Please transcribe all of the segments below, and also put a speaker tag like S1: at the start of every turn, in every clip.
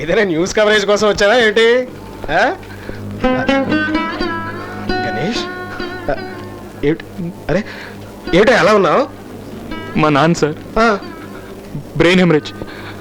S1: ఏదైనా news coverage కోసం వచ్చారా ఏంటి? గణేష్ ఏమిటి? అరే ఏమిటో ఎలా ఉన్నావు?
S2: మా నాన్న సార్ బ్రెయిన్ హెమరేజ్.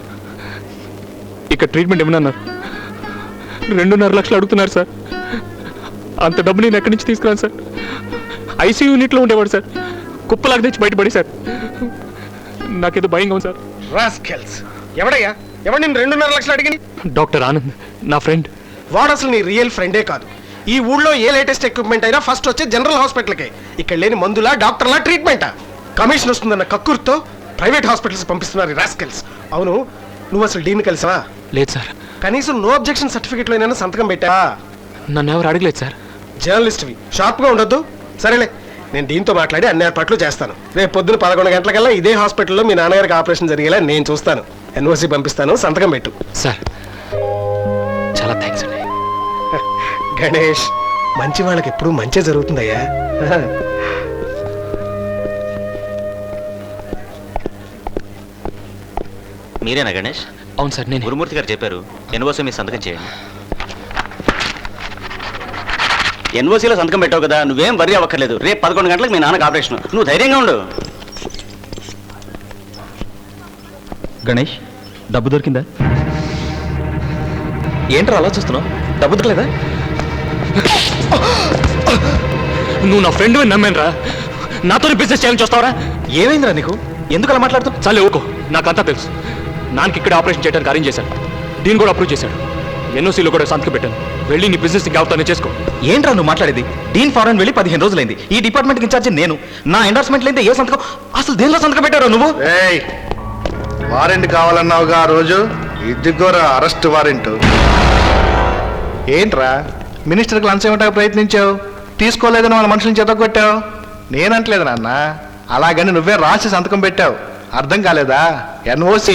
S2: ఇక్కడ ట్రీట్మెంట్ ఏమన్నారు? 2.5 లక్షలు అడుగుతున్నారు సార్. అంత డబ్బు నేను ఎక్కడి నుంచి తీసుకురాను సార్? ఐసీయూ యూనిట్లో ఉండేవాడు సార్. కుప్పలాగా తెచ్చి బయటపడి సార్. నాకేదో భయంగా ఉంది సార్.
S1: రాస్కెల్స్. ఎవడయ్యా? ఎవడు నేను 2.5 లక్షలు అడిగింది?
S2: డాక్టర్ ఆనంద్, నా ఫ్రెండ్.
S1: వాడు అసలు నీ రియల్ ఫ్రెండే కాదు. ఈ ఊళ్ళో ఏ లేటెస్ట్ ఎక్విప్మెంట్ అయినా ఫస్ట్ వచ్చే జనరల్ హాస్పిటల్కే. ఇక్కడ లేని మందులా, డాక్టర్లా, ట్రీట్మెంటా? కమిషన్ వస్తుందన్న కక్కుర్తో ప్రైవేట్ హాస్పిటల్స్ పంపిస్తున్నారు రాస్కెల్స్. అవును, నువ్వు అసలు డీన్ కలిసావా?
S2: లేదు సార్.
S1: కనీసం నో అబ్జెక్షన్ సర్టిఫికెట్లో అయినా సంతకం పెట్టా?
S2: నన్ను ఎవరు అడగలేదు సార్.
S1: జర్నలిస్ట్వి, షార్ప్గా ఉండొద్దు. సరేలే, నేను దీంతో మాట్లాడి అన్ని ఏర్పాట్లు చేస్తాను. రేపు పొద్దున 11 గంటలకల్లా ఇదే హాస్పిటల్లో మీ నాన్నగారికి ఆపరేషన్ జరిగేలా నేను చూస్తాను. ఎన్ఓసి పంపిస్తాను, సంతకం పెట్టు.
S2: సార్ చాలా థ్యాంక్స్ అండి.
S1: గణేష్, మంచి వాళ్ళకి ఎప్పుడు మంచి జరుగుతుందయ్యా.
S3: మీరేనా గణేష్?
S2: అవును సార్, నేను.
S3: గురుమూర్తి గారు చెప్పారు ఎన్ఓసి మీ సంతకం చేయండి. ఎన్ఓసీలో సంతకం పెట్టావు కదా, నువ్వేం వరి అవ్వక్కర్లేదు. రేపు 11 గంటలకు మీ నాన్నకు ఆపరేషన్. నువ్వు ధైర్యంగా ఉండు.
S4: గణేష్, డబ్బు దొరికిందా? ఏంట్రా అలా చూస్తున్నావు? డబ్బు దొరకలేదా?
S2: నువ్వు నా ఫ్రెండ్ నమ్మాను రా. నాతో బిజినెస్ చేయాలని చూస్తావరా?
S4: ఏమైందిరా నీకు? ఎందుకు అలా మాట్లాడుతావు?
S2: చాలే ఊకో, నాకంతా తెలుసు. నాన్నకి ఇక్కడ ఆపరేషన్ చేయడానికి అరేంజ్ చేశాను. దీన్ని కూడా అప్రూవ్ చేశాడు. ఎన్ఓసీలో కూడా సంతకం పెట్టాను. వెళ్ళి నీ బిజినెస్ ఇంకెవరితోనే చేసుకో.
S4: ఏంట్రా నువ్వు మాట్లాడేది? డీన్ ఫారెన్ వెళ్ళి 15 రోజులైంది. ఈ డిపార్ట్మెంట్కి ఇన్ఛార్జ్ నేను. నా ఎండార్స్మెంట్ లేదే ఏ సంతకం? అసలు దేనిలో సంతకం పెట్టారో నువ్వు?
S5: వారెంట్ కావాలన్నావుగా ఆ రోజు, ఇదిగోరా అరెస్ట్ వారెంట్. ఏంట్రా మినిస్టర్కి లంచం ఇవ్వడానికి ప్రయత్నించావు, తీసుకోలేదని వాళ్ళ మనుషులను చెతగొట్టావు. నేనంటలేదు నాన్న, అలాగని నువ్వే రాసి సంతకం పెట్టావు. అర్థం కాలేదా? ఎన్ఓసి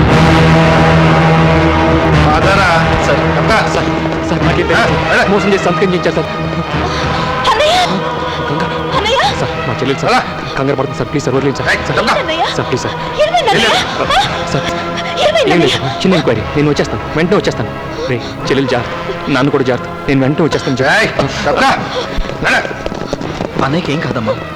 S5: అదరా.
S2: సార్ సార్ సార్ నాకే మోసం చేసి సంతకం చేయించారు సార్. సార్ మా చెల్లెలు సార్ కంగారు పడుతుంది సార్. ప్లీజ్ సార్ వదిలేదు sir. Sir please sir. Sir ఏం లేదు, చిన్న ఎంక్వైరీ. నేను వచ్చేస్తాను, వెంటనే వచ్చేస్తాను. రే చెల్లెలు జాగ్రత్త, నాన్న కూడా జాగ్రత్త. నేను వెంటనే వచ్చేస్తాను.
S4: అన్నయ్యకి ఏం కాదమ్మా.